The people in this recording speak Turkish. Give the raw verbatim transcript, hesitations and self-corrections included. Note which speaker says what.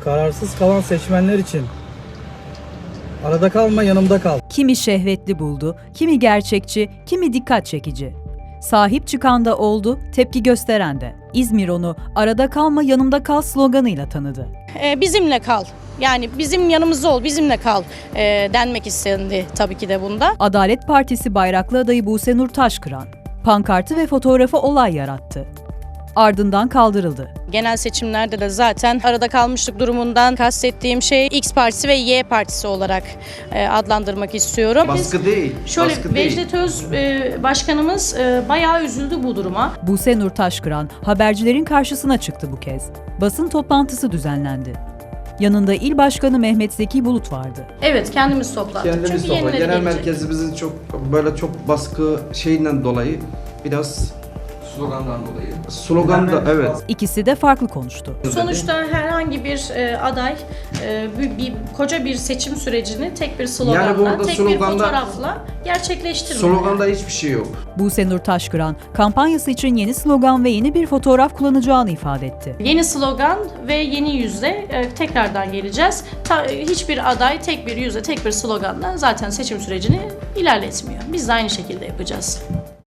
Speaker 1: Kararsız kalan seçmenler için arada kalma, yanımda kal.
Speaker 2: Kimi şehvetli buldu, kimi gerçekçi, kimi dikkat çekici. Sahip çıkan da oldu, tepki gösteren de. İzmir onu arada kalma yanımda kal sloganıyla tanıdı.
Speaker 3: Ee, bizimle kal. Yani bizim yanımızda ol, bizimle kal e, denmek istendi tabii ki de bunda.
Speaker 2: Adalet Partisi bayraklı adayı Buse Nur Taşkıran, pankartı ve fotoğrafı olay yarattı. Ardından kaldırıldı.
Speaker 3: Genel seçimlerde de zaten arada kalmışlık durumundan kastettiğim şey X partisi ve Y partisi olarak e, adlandırmak istiyorum.
Speaker 4: Baskı
Speaker 3: Biz,
Speaker 4: değil.
Speaker 3: Şöyle
Speaker 4: baskı değil.
Speaker 3: Vecdet Öz e, başkanımız e, bayağı üzüldü bu duruma.
Speaker 2: Buse Nur Taşkıran habercilerin karşısına çıktı bu kez. Basın toplantısı düzenlendi. Yanında il başkanı Mehmet Zeki Bulut vardı.
Speaker 3: Evet, kendimiz toplandık.
Speaker 4: Kendimiz
Speaker 3: Çünkü
Speaker 4: topla.
Speaker 3: yenileri
Speaker 4: Genel
Speaker 3: gelecek.
Speaker 4: merkezimizin çok böyle çok baskı şeyinden dolayı biraz
Speaker 5: Slogandan dolayı.
Speaker 4: slogan da evet.
Speaker 2: İkisi de farklı konuştu.
Speaker 3: Sonuçta herhangi bir e, aday e, bir, bir koca bir seçim sürecini tek bir sloganla,
Speaker 4: Yani burada
Speaker 3: tek bir
Speaker 4: sloganda-
Speaker 3: fotoğrafla gerçekleştirmiyor.
Speaker 4: Sloganda hiçbir şey yok.
Speaker 2: Buse Nur Taşkıran kampanyası için yeni slogan ve yeni bir fotoğraf kullanacağını ifade etti.
Speaker 3: Yeni slogan ve yeni yüzle e, tekrardan geleceğiz. Ta, hiçbir aday tek bir yüzle, tek bir sloganla zaten seçim sürecini ilerletmiyor. Biz de aynı şekilde yapacağız.